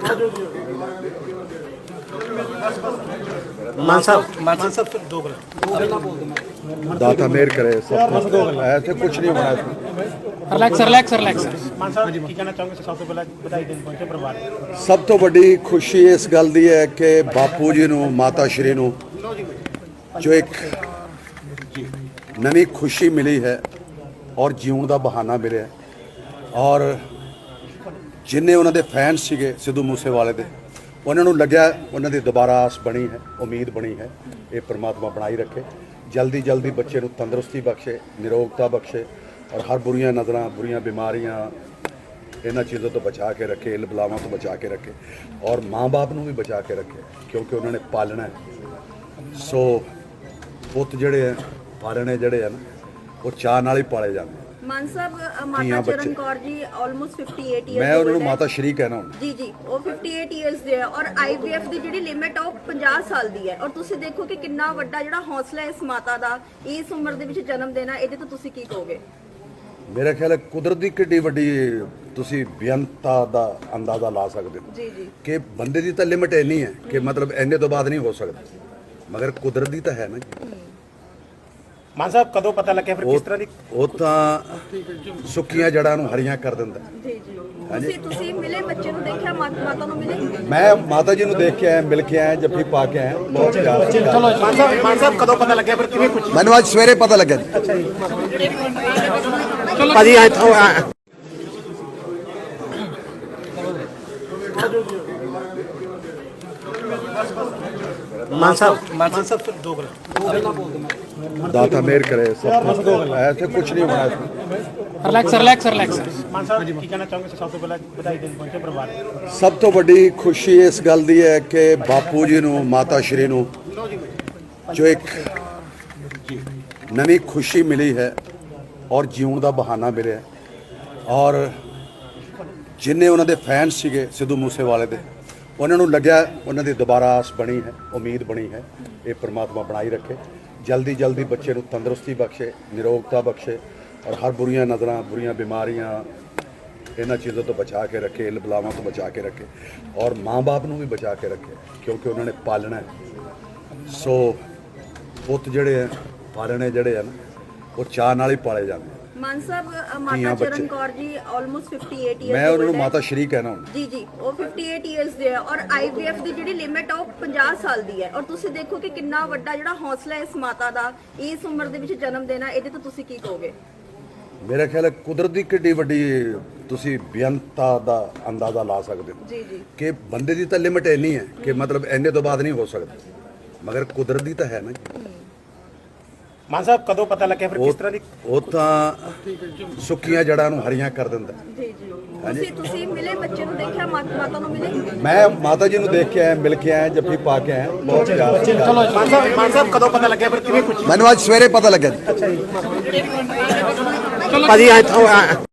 मान साहब सिर्फ दो गलत दाता मेहर करे सब ऐसे कुछ नहीं होना इसमें। रिलैक्स मान साहब की कहना चाहूँगा सब ਤੋਂ ਪਹਿਲਾਂ ਵਧਾਈ ਦੇਣ ਪਹੁੰਚੇ ਪਰਿਵਾਰ ਸਭ ਤੋਂ ਵੱਡੀ ਖੁਸ਼ੀ ਇਸ ਗੱਲ ਦੀ ਹੈ ਕਿ ਬਾਪੂ ਜੀ ਨੂੰ ਮਾਤਾ ਸ਼੍ਰੀ ਨੂੰ ਜੋ ਇੱਕ ਨਵੀਂ ਖੁਸ਼ੀ ਮਿਲੀ ਹੈ ਔਰ ਜਿਉਣ ਦਾ ਬਹਾਨਾ ਮਿਲਿਆ ਔਰ ਜਿੰਨੇ ਉਹਨਾਂ ਦੇ ਫੈਨ ਸੀਗੇ ਸਿੱਧੂ ਮੂਸੇਵਾਲੇ ਦੇ ਉਹਨਾਂ ਨੂੰ ਲੱਗਿਆ ਉਹਨਾਂ ਦੀ ਦੁਬਾਰਾ ਆਸ ਬਣੀ ਹੈ ਉਮੀਦ ਬਣੀ ਹੈ ਇਹ ਪ੍ਰਮਾਤਮਾ ਬਣਾਈ ਰੱਖੇ ਜਲਦੀ ਜਲਦੀ ਬੱਚੇ ਨੂੰ ਤੰਦਰੁਸਤੀ ਬਖਸ਼ੇ ਨਿਰੋਗਤਾ ਬਖਸ਼ੇ और हर बुरियां नज़र बुरियां बीमारियां इन्होंने चीज़ों तो बचा के रखे इल बलावां तो बचा के रखे और माँ बाप को भी बचा के रखे क्योंकि उन्होंने पालना है सो पुत जड़े हैं पालने जड़े हैं ना वो चाह नाल ही पाले जाते हैं। मान साहब माता चरण कौर जी ऑलमोस्ट 58 ईयर्स मैं उन्होंने माता श्री कहना हूँ जी जी वो 58 ईयर्स ਦੇ ਹੈ ਔਰ IVF ਦੀ ਜਿਹੜੀ ਲਿਮਿਟ ਆ ਉਹ 50 ਸਾਲ ਦੀ ਹੈ ਔਰ ਤੁਸੀਂ ਦੇਖੋ ਕਿ ਕਿੰਨਾ ਵੱਡਾ ਜਿਹੜਾ ਹੌਸਲਾ ਹੈ ਇਸ ਮਾਤਾ ਦਾ ਇਸ ਉਮਰ ਦੇ ਵਿੱਚ ਜਨਮ ਦੇਣਾ ਇਹਦੇ ਤੋਂ ਤੁਸੀਂ ਕੀ ਕਹੋਗੇ। मेरा ख्याल है कुदरत की किड्डी वड्डी तुसी बेअंता दा अंदाज़ा ला सकते हो जी जी कि बंदे की तो लिमिट इन्नी है कि मतलब इन्ने तो बाद नहीं हो सकता मगर कुदरत की तो है ना मान साहब कदों पता लगे फिर किस तरह ਦੀ ਉਹ ਤਾਂ ਸੁੱਕੀਆਂ ਜੜਾਂ ਨੂੰ ਹਰੀਆਂ ਕਰ ਦਿੰਦਾ। ਜੀ ਜੀ ਤੁਸੀਂ ਮਿਲੇ ਬੱਚੇ ਨੂੰ ਦੇਖਿਆ ਮਾਤਾ ਨੂੰ ਮਿਲੇ ਮੈਂ ਮਾਤਾ ਜੀ ਨੂੰ ਦੇਖ ਕੇ ਆਇਆ ਮਿਲ ਕੇ ਆਇਆ ਜੱਫੀ ਪਾ ਕੇ ਆਇਆ ਬਹੁਤ ਪਿਆਰ ਸੀ। ਚਲੋ मान साहब कदों पता लगे फिर किਵੇਂ ਕੁਝ ਮੈਨੂੰ ਅੱਜ ਸਵੇਰੇ ਪਤਾ ਲੱਗਿਆ ਜੀ। ਅੱਛਾ ਜੀ ਭਾਜੀ ਇੱਥੋਂ मान साहब सिर्फ दो गलत दाता मेहर करे सब ऐसे कुछ नहीं होना इसमें। रिलैक्स मान साहब की कहना चाहूँगा सब ਤੋਂ ਪਹਿਲਾਂ ਵਧਾਈ ਦੇਣ ਪਹੁੰਚੇ ਪਰਿਵਾਰ ਸਭ ਤੋਂ ਵੱਡੀ ਖੁਸ਼ੀ ਇਸ ਗੱਲ ਦੀ ਹੈ ਕਿ ਬਾਪੂ ਜੀ ਨੂੰ ਮਾਤਾ ਸ਼੍ਰੀ ਨੂੰ ਜੋ ਇੱਕ ਨਵੀਂ ਖੁਸ਼ੀ ਮਿਲੀ ਹੈ ਔਰ ਜਿਉਣ ਦਾ ਬਹਾਨਾ ਮਿਲਿਆ ਔਰ ਜਿੰਨੇ ਉਹਨਾਂ ਦੇ ਫੈਨ ਸੀਗੇ ਸਿੱਧੂ ਮੂਸੇਵਾਲੇ ਦੇ ਉਹਨਾਂ ਨੂੰ ਲੱਗਿਆ ਉਹਨਾਂ ਦੀ ਦੁਬਾਰਾ ਆਸ ਬਣੀ ਹੈ ਉਮੀਦ ਬਣੀ ਹੈ ਇਹ ਪ੍ਰਮਾਤਮਾ ਬਣਾਈ ਰੱਖੇ ਜਲਦੀ ਜਲਦੀ ਬੱਚੇ ਨੂੰ ਤੰਦਰੁਸਤੀ ਬਖਸ਼ੇ ਨਿਰੋਗਤਾ ਬਖਸ਼ੇ और हर बुरियां नज़र बुरियां बीमारियां इन्होंने चीज़ों तो बचा के रखे इल बलावां तो बचा के रखे और माँ बाप को भी बचा के रखे क्योंकि उन्होंने पालना है सो पुत जड़े हैं पालने जड़े हैं ना वो चाह नाल ही पाले जाते हैं। मान साहब माता चरण कौर जी ऑलमोस्ट 58 ईयर्स मैं उन्होंने माता श्री कहना हूँ जी जी वो 58 ईयर्स ਦੇ ਹੈ ਔਰ IVF ਦੀ ਜਿਹੜੀ ਲਿਮਿਟ ਆ ਉਹ 50 ਸਾਲ ਦੀ ਹੈ ਔਰ ਤੁਸੀਂ ਦੇਖੋ ਕਿ ਕਿੰਨਾ ਵੱਡਾ ਜਿਹੜਾ ਹੌਸਲਾ ਹੈ ਇਸ ਮਾਤਾ ਦਾ ਇਸ ਉਮਰ ਦੇ ਵਿੱਚ ਜਨਮ ਦੇਣਾ ਇਹਦੇ ਤੋਂ ਤੁਸੀਂ ਕੀ ਕਹੋਗੇ। मेरा ख्याल है कुदरत की किड्डी वड्डी तुसी बेअंता दा अंदाज़ा ला सकते हो जी जी कि बंदे की तो लिमिट इन्नी है कि मतलब इन्ने तो बाद नहीं हो सकता मगर कुदरत की तो है ना। मान साहब कदों पता लगे फिर किस तरह ਦੀ ਉਹ ਤਾਂ ਸੁੱਕੀਆਂ ਜੜਾਂ ਨੂੰ ਹਰੀਆਂ ਕਰ ਦਿੰਦਾ। ਜੀ ਜੀ ਤੁਸੀਂ ਮਿਲੇ ਬੱਚੇ ਨੂੰ ਦੇਖਿਆ ਮਾਤਾ ਨੂੰ ਮਿਲੇ ਮੈਂ ਮਾਤਾ ਜੀ ਨੂੰ ਦੇਖ ਕੇ ਆਇਆ ਮਿਲ ਕੇ ਆਇਆ ਜੱਫੀ ਪਾ ਕੇ ਆਇਆ ਬਹੁਤ ਪਿਆਰ ਸੀ। ਚਲੋ मान साहब ਕਦੋਂ ਪਤਾ ਲੱਗਿਆ ਫਿਰ ਕਿਵੇਂ ਕੁਝ ਮੈਨੂੰ ਅੱਜ ਸਵੇਰੇ ਪਤਾ ਲੱਗਿਆ ਜੀ। ਅੱਛਾ ਜੀ ਭਾਜੀ ਇੱਥੋਂ